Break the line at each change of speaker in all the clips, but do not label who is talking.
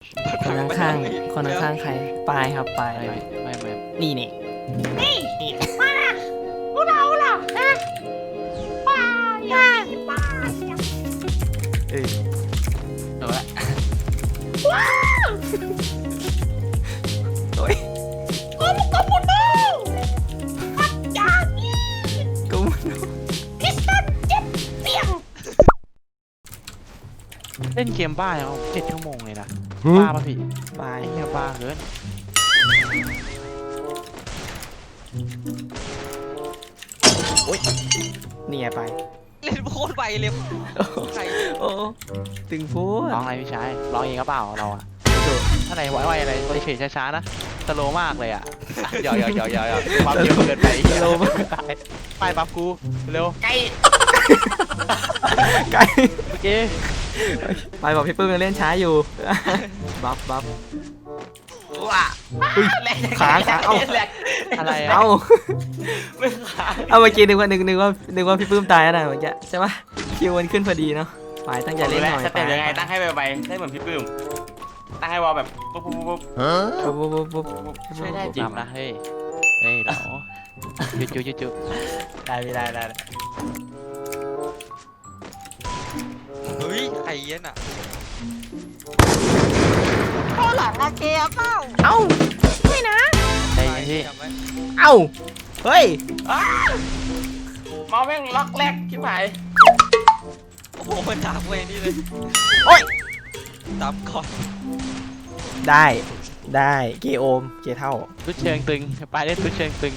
คนข้างใครปลายครับปลาย
ไม่
นี่นี่
มาพวกเราล่ะนะป้าอย่าป้า
โดนละ
ว้าว
โอ้ย
โอ้ลูกกระปุกโน่พัดยานี่
กู
พิสตันเจ็บเสียง
เล่นเกมบ้าอย่าง7 ชั่วโมงเลยนะบ้าป่ะพี่
ปลาย
ไอ้เหี้ยบ้าเกิน
นี่ไงไป
เล่นโคตรไวเลยใคร
โอ้ตึงพูด
ร้องอะไรพี่ชายร้องเองก็เปล่าเราอะอะไรไวๆอะไรเฉยๆช้าๆนะสโลมากเลยอะหยอกความเยอะเกินไปสโลมากไปปั๊บกูเร็ว
ไก่
ไกล
โอเค
ไปบอกพี่ปื้มยังเล่นช้าอยู่ บัฟ
ว้า
อุ้ยขาเอ้า
อะไรอะ
เอ้า
ไม่ขา
เอาเมื่อกี้นึกว่าพี่ปื้มตายแล้วนะเมื่อกี้ใช่ปะคิวมันขึ้นพอดีเนาะปลายตั้งใจเล่นหน่อย
สเต็ปยังไงตั้งให้ไวๆได้เหมือนพี่ปื้มตั้งให้วอลแบบปุ๊บ
ปุ๊บ
ช่วยได้จริง
ทำนะเฮ้ยเราจุ๊
ได้
เฮ้ยใครเย็นอ่ะ
ข้อหลังอะเกียร์เปล่า
เอ้า
ไม่นะ
ใจเย็นพี่
จำไว้
เอ้าเฮ้ย
มอแม่งล็อกแรกชิบหาย
โอ้โหมันถามเวนี่เลย
โอ๊ย
ตามก่อน
ได้เกโอมเกเท่า
ทุดเชิงตึงไปเล่นทุดเชิงตึง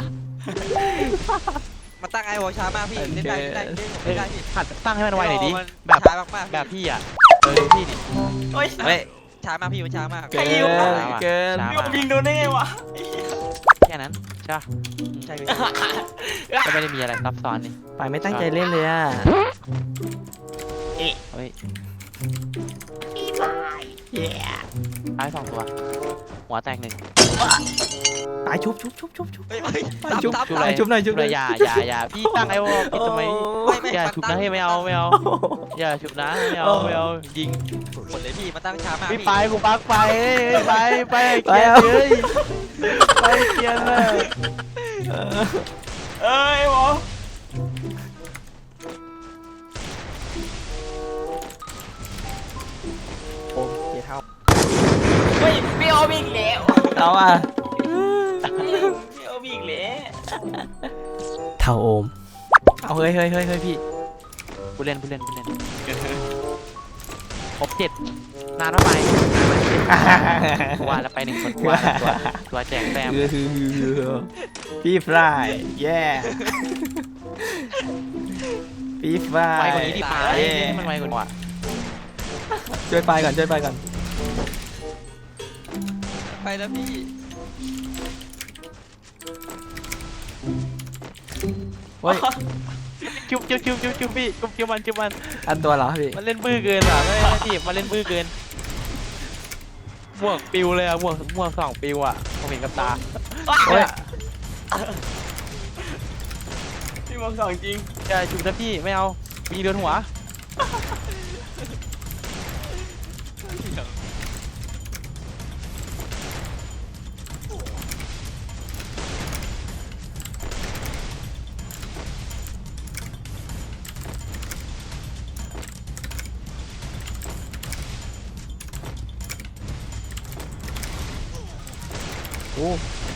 มาตั้งไอวอลช้ามากพี่เล่นได้พี่
หัดตั้งให้มันไวหน่อยดิ
แบบช้ามาก
แบบพี่อ่ะพี่ดิ
โอ้ย
เฮ้ย
ช้ามากพี่มันช้ามาก
เกินเกิน
พี่ยิงโดนได้ไงวะ
แค่นั้นใช่
ใช่พี่
ก็ไม่ได้มีอะไรซับซ้อนนี่
ปลายไม่ตั้งใจเล่นเลยอ่ะ
เฮ้ย
พี่บาย
เย้
ท้าย2 ตัวหัวแตก1
ปลายชุบ
เฮ้ย
ปลายชุบ
ตับ
ปลายชุบหน่อยชุบหน่อย
อย่าพี่ตั้งไอ้วอลพี่ทำไมอย่าฉุบนะให้ไม่เอาอย่าฉุบนะไม่เอายิง
หมดเลยพี่มาตั้งช้ามาก
พี่ไปกูปักไปไปเกียร์เลยไปเกียร์เลย
เอ้ยวอ
โอมเกเท่า
เฮ้ยพี่โอมีอีกแล้ว
เอาอ่ะ
พี่โอมีอีกแล้ว
เท่าโอมเอาเฮ้ยพี่
ผู้เล่นครบ7นานเท่าไหร่ว่าแล้วไป1 คนว่าตัวแจกแต้ม
พี่ฟรายแย่พี่ฟราย
ไวกว่านี้ดิไปมันไวกว่า
ช่วยไปก่อน
ไปแล้วพี่
เฮ้ย
จุ๊บพี่จุ๊บมัน
อันตัวเหรอพี่
มันเล่นบื้อเกินอ่ะไม่ได้ทีมันเล่นบื้อเกินหมวกปิวเลยอ่ะหมวก2 ปิวอ่ะผมเห็นกับตา
โอ้ย
พี่มองสองจริง
อย่าจุ๊บนะพี่ไม่เอามีโดนหัว
โอ้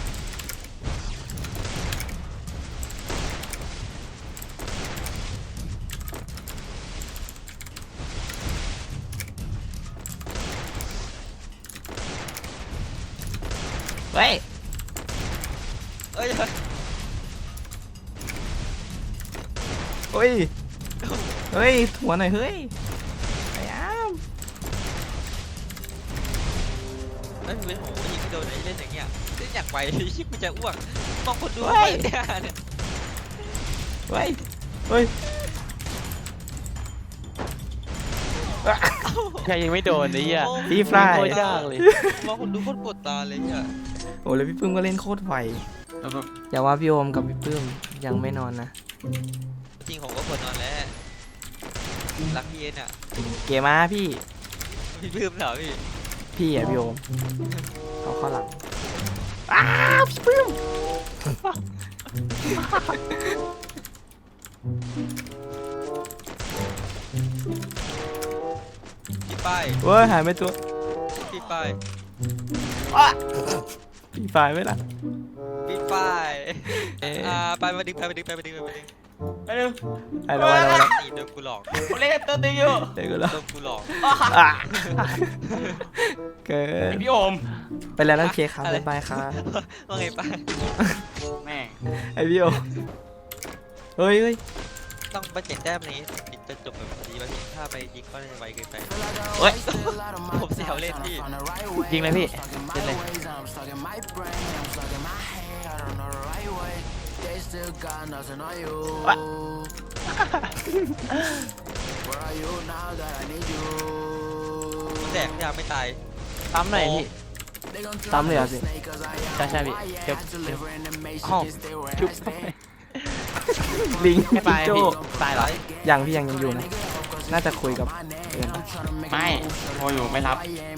เฮ้ย
เอ้ย
เฮ้ยหัวหน่อยเฮ้ยไอ้อ้าม
เฮ้ยเป็นโหยิงโดนไอ้เล่นอย่างเงี้ยเล่นอย่างไวชิบมันจะอ้วกมองคนดูเนี่ย
เฮ้ย
ใครยังไม่โดนไอ้เหี้ย
พี่ฟราย
โคตรยากเลย
มองคนดูโคตรปวดตาเลยเนี่ย
โอ้แล้วพี่ปื้มก็เล่นโคตรไวอย่าว่าพี่โอมกับพี่ปื้มยังไม่นอนนะ
จริงผมก็ปวดนอนแล้วรักพี่เอ็นอ่ะ
เกมาพี่
พี่ลืมเหรอพี่
พี่อ่ะพี่โอมเขาเข้าหลังอ้าวพี่ปื้ม
พี่ป้าย
เว้ยหายไปตัว
พี่ป้าย
พี่ไฟไหมล่ะ
พี่ป้าย
เอ๊ะ
ไปมาดึง
ไปดู
ไอ้เรา
นี่โดนกูหลอก
ผมเล่นตัวตึงอยู่
เด็กกูแล้ว
โดนกูหลอก
อ่ะเกิน
พี่โอม
ไปแล้วนั่นเคครับบ๊ายบายครับ
ว่าไงป้าย
แม่
ไอพี่โอเฮ้ยเฮ้ย
ต้องไปเจ็ดแต้มนี้ถึงจะจบแบบดีป่ะพี่ถ้าไปยิงก็น่าจะไวเกินไป
เฮ้ย
ผมแซวเล่นพี่
ยิงเลยพี่เล่นเลย
วะ
แตกยาไม่ตาย
ซ้ำหน่อยพี่
ซ้ำเลยเหรอ่ะสิ
ใช่พี่เก็บห้องชุบ
ลิง
ไม่ไป
โจ
พี่ตายเหรอ
ยังพี่ยังอยู่นะ น่าจะคุยกับเอิญ
ไม่โทรอยู่ไม่รับ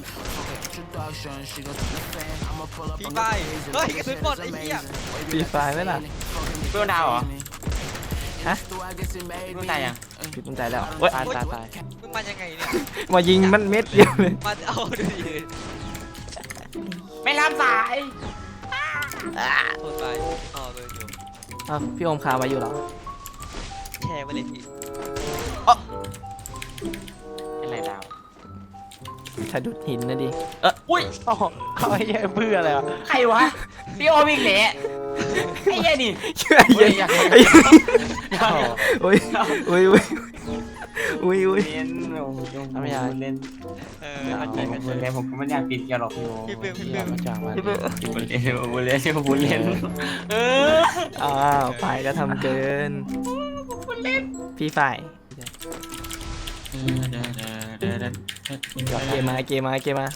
พี่ป้ายเฮ้ยกระสุนหมดไอ้เหี้ย
ปีไฟไหมล่ะ
เพื่อนดาวเหรอ
ฮะ
เพื่อนตายยัง
พี่ตั้งใจแล้วเว้ย
ตาย
มึงมายังไงเนี่ย
มายิงมันเม็ดเดียวเลย
มาเอาดูดิ
ไม่รับสาย
โทษไปอ๋อเบอร์อยู่
อ้าวพี่โอมคาไว้อยู่เหรอ
แชร์ไปเลยพี่
เป็นไรดาว
สะดุดหินนะดิ
อุ้ย
โอ้โหเขาให้แย่เบื่อเลยอ่ะ
ใครวะพี่โอมอีกแหละไอ้เหี้ยนี่
เชื่อเย็น
เฮ้ย
อุ้ยอุ้ยอุ้ยอุ้ยอุ้ย
เล่นผมเล่น
เอาจริงกัน
ผมเล่นผมก็ไม่อยากปิดแกหรอกอยู่
พี่เบิ้มพี่
เหี้
เบิ้
ย
ม
มาจากมัน
ผมเล่นผมเล่น
เออ
อ้าวฝ่ายก็ทำเกินพี่ฝ่ายเกมมาเกมมาเกมมา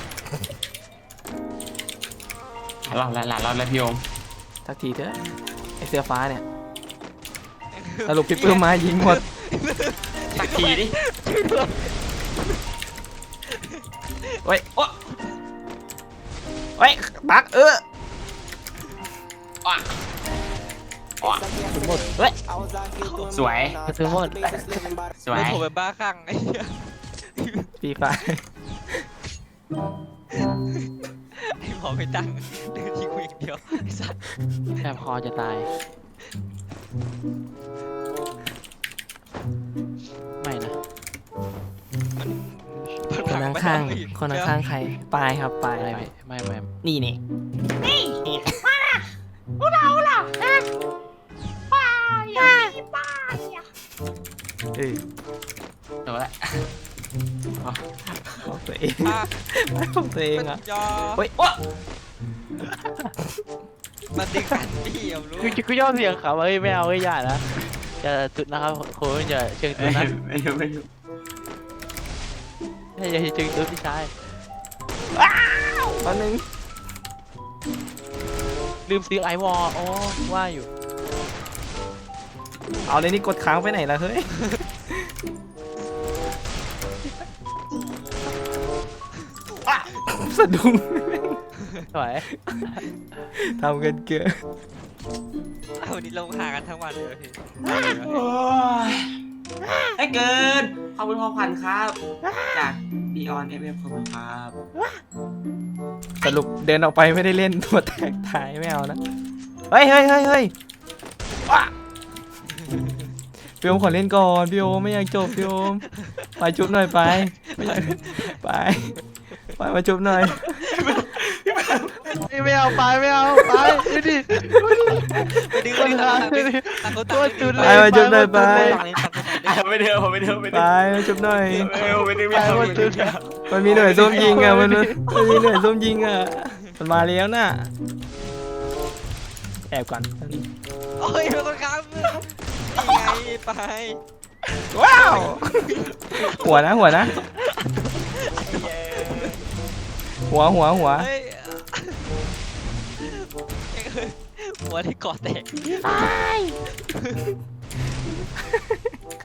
หลับแล้วพี่โอม
สักทีเถอะไอเสื้อฟ้าเนี่ยสรุปพี่ปื้มมายิงหมด
สักทีดิ
เฮ้ยโอ้เฮ้ยบักหมดเฮ้ย
สวย
กระสุนหมด
สวย
ไม่โทรไปบ้าคลั่งไอ้เหี้ย
พี่ฝ่าย
ไอ้หมอไม่ตั้งเดินที่กูอย่างเดียวไอ้สัส
แอบคอจะตายไม่นะ
คนข้างๆคนข้างๆใครปลายครับปลาย
ไม่
ปลาย
ไม่ไม่
นี่นี่
พวกเราล่ะเอ๊ะป้าอย่าป้าอย่า
เออ
จบละ
ของตัวเอง
อ่ะ
ของตัวเองอ่ะ
ยอ
เฮ้ยว้า
มันดึงกันพี่เอารู้
กูยอมเสียงเขาเฮ้ยไม่เอาเฮ้ยอย่านะจะจุดนะครับโค้ชอย่าเชิงจุดนะ
ไม่อยู่
อย่าเชิงจุดพี่ชาย
ตอนนึง
ลืมซื้อไอวอลโอ้ว่าอยู่
เอาเลยนี่กดค้างไปไหนล่ะเฮ้ยอ่ะสะดุ้ง
สวย
ทำกันเกิน
วันนี้ลงหากันทั้งวันเลยพี่
โอ้ยให้เกินขอบคุณพ่อขวัญครับ จากบีออนเอฟเอฟขอบคุณครับ
สรุปเดินออกไปไม่ได้เล่นตัวแตกตายไม่เอานะเฮ้ยเฮ้ยเฮ้ยเฮ้ยว้าพี่โอมขอเล่นก่อนพี่โอมไม่อยากจบพี่โอมไปจุ๊บหน่อยไปไม่อยากไปมาจุ๊บหน่อย
ไม่เอาไปไม่เอาไปดูดิ
ไปดึงไปดึงต่างคนต่าง
ไปมาจุ๊บหน่อยไป
ต่างคนต่างคน
ไม่เดินผมไม่เดิน
ไปมาจุ๊บหน่อย
ไม่เดินไม่เอา
มันมีหน่วยส้มยิงอ่ะมันมีหน่วยส้มยิงอ่ะมันมาแล้วน่ะแอบก่อน
โอ้ยเป็นคนค้างนี่ไงไป
ว้าวหัวนะหัว
เฮ้ยหัวที่เกาะแตก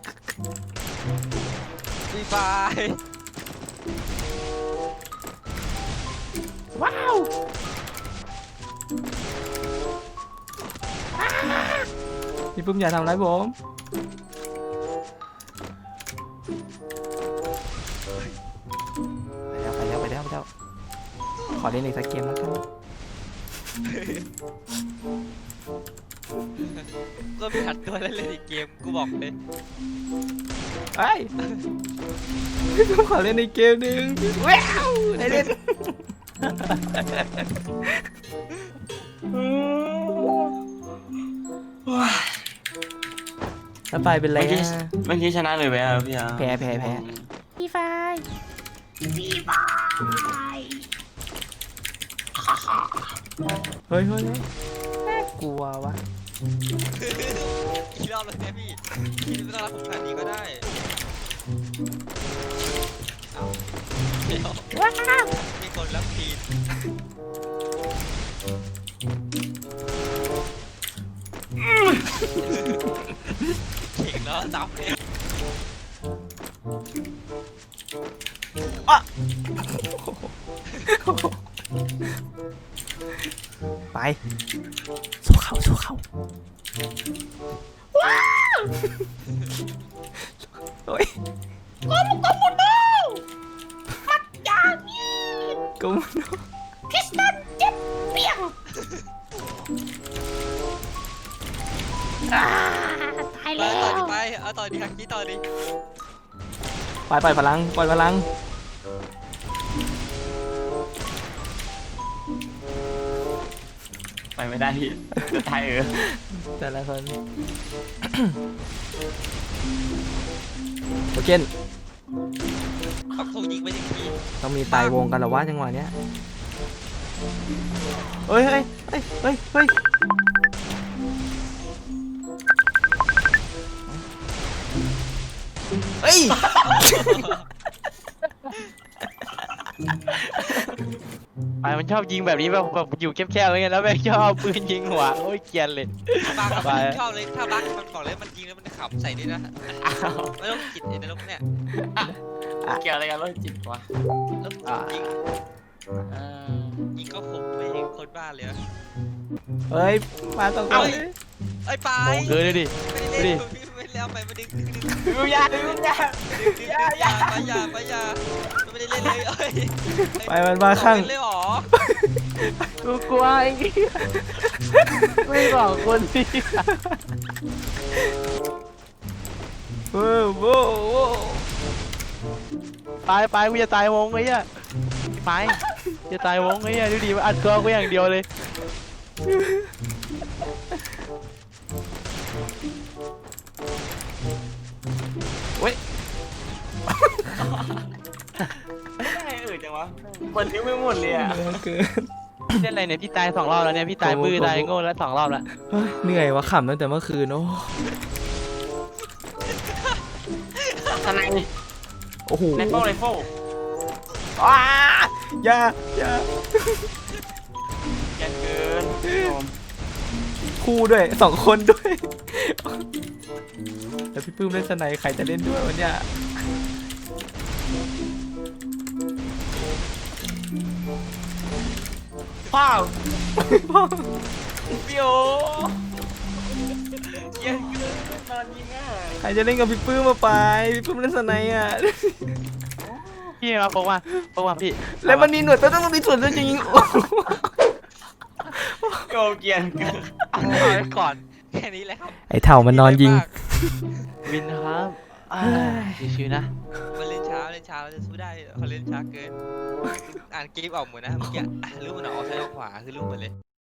ฟรีไฟ
ว้าวพี่ปุ้มอย่าทำร้ายผมไปแล้วขอเล่นอีกสักเกมแล้วกัน
ก็มีหัดตัวเล่นอีกเกมกูบอกเลย
ไอ้พี่ปุ้มขอเล่นอีกเกมหนึ่งว้าวได้เล่นแล้วไปเป็นไร
เมื่อกี้
อะ
เมื่อกี้ชนะเลยไหมพี่อาร์
แพ้พี่ไฟ เฮ้ยน่ากลัววะ
กี่รอบแล้วเนี่ยพี่ไม่ต้องรับผมขนาดนี้ก็ได้เอ้าเดี๋ยวมีคนรับทีมเก่งเนาะจับเลย
ไปสู้เขาโอ้ยก็มุน
พิสตันเจ็บเปียงตาย
ไป
แล้ว
ต่อดิไปเอาต่อดิฮักกี้ต่อดิ
ปล่อยพลัง
ไปไม่ได้พี่จะตาย
แต่ละคนโอเค
ปักธงยิงไปถึงที
ต้องมีตายวงกันเหรอวะจังหวะเนี้ยเฮ้ย
ไปมันชอบยิงแบบนี้แบบอยู่แคบๆอะไรเงี้ยแล้วแม่งชอบเอาปืนยิงหัวโอ้ยเกรียนเลย
บัก
ไป
ชอบเลยถ้าบักมันบอกเลยมันยิงแล้วมันขำใส่ด้วยนะไม่ต้องคิดไอ้นรกเนี่ย
เกี่ยวอะไรกันรถจิตวะ
แล้วยิงก็ขมไปเองคนบ้าเลยอะ
เฮ้ยมาตรงนี้
ไอ้ปลา
โอ้เกินเลยดิ
ไม่ได้เล่นไม่ได้เอาไปมาดึง
ดูยา
ไปอย่าไม่ได้เล่นเลยเอ้ย
ไปมันมาข้าง
เลยหรอ
กูกลัวไอ้เหี้ยไม่บอกคนสิ
โว้
ไปกูจะตายวงไอ้เหี้ยไปจะตายวงไอ้เหี้ยดูดิมันอัดตัวกูอย่างเดียวเลย
ไม่ได้จังวะเปิดทิ้งไม่หมดเลยอ่ะ
เกิน
เล่นอะไรเนี่ยพี่ตาย2 รอบแล้วเนี่ยพี่ตายบื้อตายโง่แล้ว2 รอบแล้ว
เฮ้ยเหนื่อยวะขำตั้งแต่เมื่อคืนโอ้
ทนาย
โอ้โห
ไรโฟ
อย่า
แกเกิน
คู่ด้วย2 คนด้วยแล้วพี่ปื้มเล่นสไนใครจะเล่นด้วยวันเนี้ย
พ่อพี่โอเกี่ยวเกินนอนยิงอ่ะ
ใครจะเล่นกับพี่ปื้มมาไปพี่ปื้มเล่นสไนอ่ะ
พี่มาพกมาพี่
แล้วมันมีหนวดต้องมีส่วนจริง
โกเกียนเกิน
เอาไว้ก่อนแค่นี้แหละครับ
ไอ้เถ่ามันนอนยิง
วินครับชิวๆนะ
มันเล่นช้าเราจะสู้ได้เขาเล่นช้าเกินอ่านเกมออกหมดนะเมื่อกี้รู้มันออกซ้ายออกขวาคือรู้หมดเลย